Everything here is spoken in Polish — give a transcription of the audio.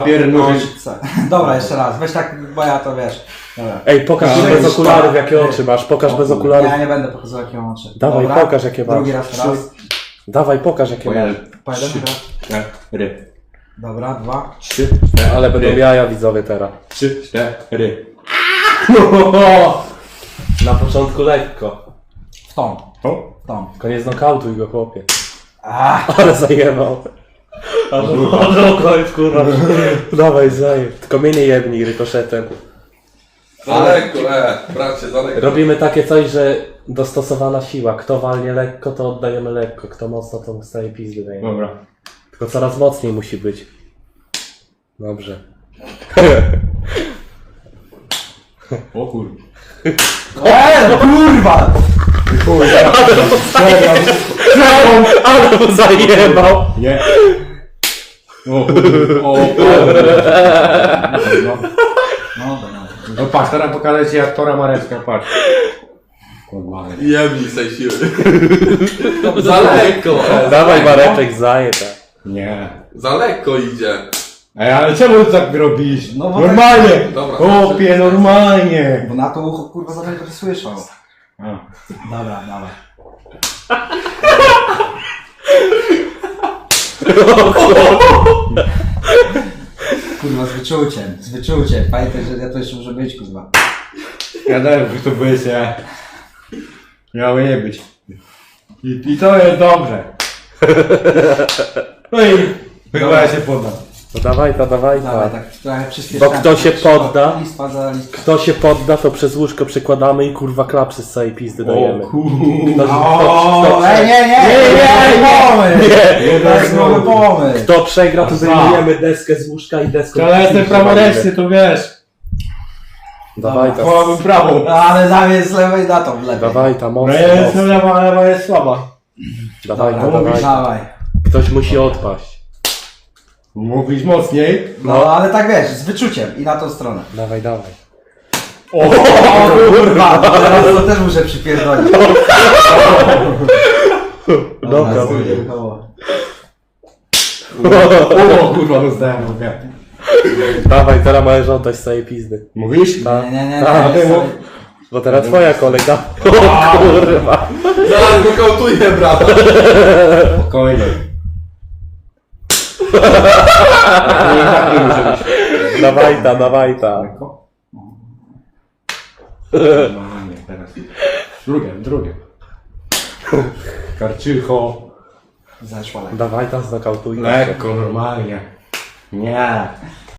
Dobra, jeszcze raz. Weź tak, bo ja to wiesz. Dobra. Ej, pokaż bez okularów jakie oczy masz, pokaż bez okularów. Ja nie będę pokazywał jakie mam oczy. Dawaj, Dobra. pokaż jakie masz. Drugi raz, raz. Dawaj, pokaż jakie masz. Po jeden raz. 4. Dobra, 2. 3, Ale będą jaja widzowie teraz. 3, 4. Na początku lekko. W tą. O, W tą. Koniec nokautuj go, chłopie. Ach, Ale zajebał. Ale koniec, kurwa. Dawaj, zajeb. Tylko mnie nie jebnij rykoszetem. Daleko, bracie, daleko. Robimy takie coś, że dostosowana siła. Kto walnie lekko, to oddajemy lekko. Kto mocno, to dostaje pizdy. Dajemy. dobra. Tylko coraz mocniej musi być. Dobrze. O kur... no kurwa! Ale mu zajebał. Nie. O kur... O kur... No. No patrz, teraz pokażę ci aktora Mareczka, patrz. Kurwa. Jemnij se siły. Za lekko, Dawaj Mareczek, zajeb. Nie. za lekko idzie. Ej, ale czemu ty tak robisz? No bo normalnie! Dobra. Chłopie, normalnie! Bo na to ucho kurwa za to słyszał. A. Dobra, dawaj. Kurwa, z wyczuciem, z wyczuciem. Pamiętaj, że ja to jeszcze muszę być, kurwa. Ja też, że to byłeś, ja... Miało nie być. I to jest dobrze. No i... Chyba ja się poddam. No dawaj to, dawaj Dawaj, to. tak trochę przyspieszamy. Bo kto się podda? Listwa za listwą. Kto się podda, to przez łóżko przykładamy i kurwa klapsy z całej pizdy dajemy. O, ej, nie, to jest nowy pomysł. Kto przegra, to zdejmujemy deskę z łóżka i deską. Ale jestem praworęczny, to wiesz. Dawaj to. Połamym prawą. Ale zamiast z lewej na to lepiej. Dawaj ta No mocno. ja jestem lewa, a lewa jest słaba. Dawaj Dobra, ta, dawaj. dawaj. Ktoś musi odpaść. Mówisz mocniej. No, ale tak wiesz, z wyczuciem i na tą stronę. Dawaj, dawaj. O kurwa, teraz to też muszę przypierdolić. Dobra. O kurwa, dostałem w łeb. Dawaj, teraz możesz oddać z całej pizdy. Mówisz? Tak. Nie, Tak. Bo teraz twoja kolega. O kurwa. Zaraz go kautuję, brata. Spokojnie. Dawaj ta, dawaj ta. Normalnie, teraz. Drugie. Karczycho. Zeszła lekko. Dawaj ta, znokautujmy. Lekko, normalnie. Nie.